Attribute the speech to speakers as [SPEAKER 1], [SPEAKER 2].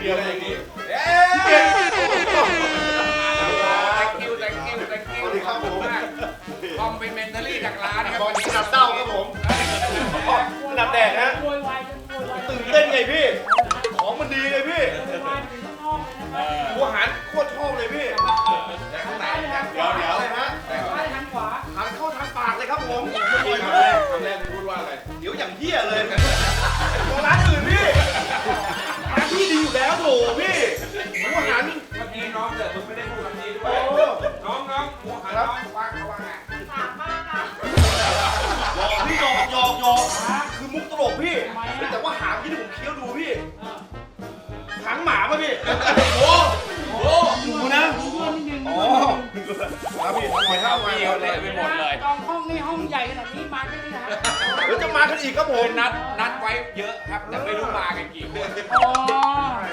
[SPEAKER 1] ดียวอย่างนี้
[SPEAKER 2] สวัสดีครับผม
[SPEAKER 3] คอมเป็นเมนเทอรี่จากร้านครับ
[SPEAKER 2] วันนี้ดับเต้าครับผมดับแดดนะ
[SPEAKER 4] โวยวายจนโวยวาย
[SPEAKER 2] ตื่นเต้นไงพี่ ของมันดีไงพี่
[SPEAKER 4] โวยวายถึงข้างนอกเลยนะ
[SPEAKER 2] หัวหันโคตรชอบเลยพี่
[SPEAKER 4] ซ้ายหรือทางข
[SPEAKER 2] เดี๋ยว
[SPEAKER 4] วา
[SPEAKER 2] เดี๋ยวเลยฮะ
[SPEAKER 4] ซ้ายหรือทางขวา
[SPEAKER 2] หันเข้าทางปากเลยครับผม
[SPEAKER 1] คำแรกพูดว่าอะไร
[SPEAKER 2] เดี๋ยวอย่างเหี้ยเลยตัวร้านอื่นพี่ร้านพี่ดีอยู่แล้วโถพี่หัวหัน
[SPEAKER 3] เมื่อกี้น้องเกิดมึงไม่ได้พูดคำนี้ด้วยน้องหัวหันน้องฟังเขาว่าไง
[SPEAKER 4] ปากมากค่ะ
[SPEAKER 2] หยอกพี่หยอกคือมุกตลกพี่ แต่ว่าหางที่ผมเคี้ยวดูพี่หางหมาป่ะพี่โอ้โหดูนะ
[SPEAKER 4] ดูด้วยนิดนึง
[SPEAKER 2] อ๋อครับพี่ทำไมครับ
[SPEAKER 3] เดียวเลยไปหมดเลย
[SPEAKER 4] จองห้องนี่ห้องใหญ่ขนาดนี้มาแค่นี้นะฮะ
[SPEAKER 2] เดี๋ยวจะมากันอีกครับผม
[SPEAKER 3] นัดไว้เยอะครับแต่ไม่รู้มากันกี่คน
[SPEAKER 4] อ๋อ